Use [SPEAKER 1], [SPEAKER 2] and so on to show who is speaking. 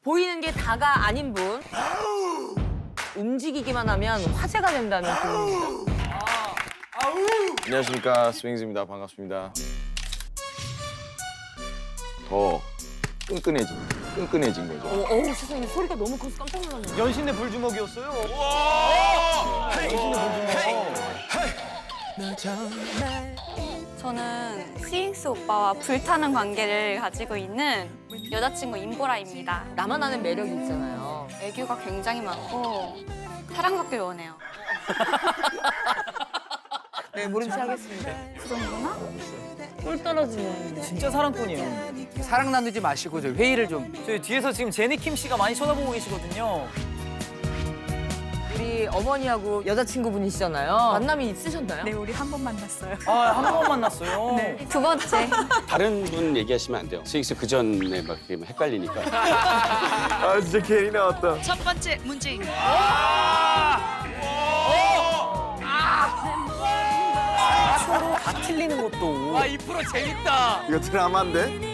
[SPEAKER 1] 보이는 게 다가 아닌 분. 움직이기만 하면 화제가 된다는 분입니다.
[SPEAKER 2] 안녕하십니까, 스윙즈입니다. 반갑습니다. 더 끈끈해진 거죠.
[SPEAKER 1] 어우 세상에 소리가 너무 커서 깜짝 놀랐네.
[SPEAKER 3] 연신내 불주먹이었어요.
[SPEAKER 4] 저는 스윙스 오빠와 불타는 관계를 가지고 있는 여자친구 임보라입니다.
[SPEAKER 1] 나만 아는 매력이 있잖아요.
[SPEAKER 4] 애교가 굉장히 많고 사랑받길 원해요.
[SPEAKER 1] 네, 모른 체 하겠습니다.
[SPEAKER 4] 그 정도나?
[SPEAKER 1] 꿀 떨어지네.
[SPEAKER 3] 진짜 사랑꾼이에요.
[SPEAKER 5] 사랑 나누지 마시고 저희 회의를 좀.
[SPEAKER 3] 저희 뒤에서 지금 제니킴 씨가 많이 쳐다보고 계시거든요.
[SPEAKER 1] 우리 어머니하고 여자친구분이시잖아요. 만남이 있으셨나요?
[SPEAKER 4] 네, 우리 한 번 만났어요.
[SPEAKER 3] 한 번 만났어요.
[SPEAKER 4] 두 번째.
[SPEAKER 6] 다른 분 얘기하시면 안 돼요. 스윙스 그 전에 막 이렇게 헷갈리니까.
[SPEAKER 2] 아, 진짜 괜히 나왔다.
[SPEAKER 7] 첫 번째 문제입니다.
[SPEAKER 3] 다 틀리는 것도.
[SPEAKER 5] 이 프로 재밌다.
[SPEAKER 2] 이거 드라마인데?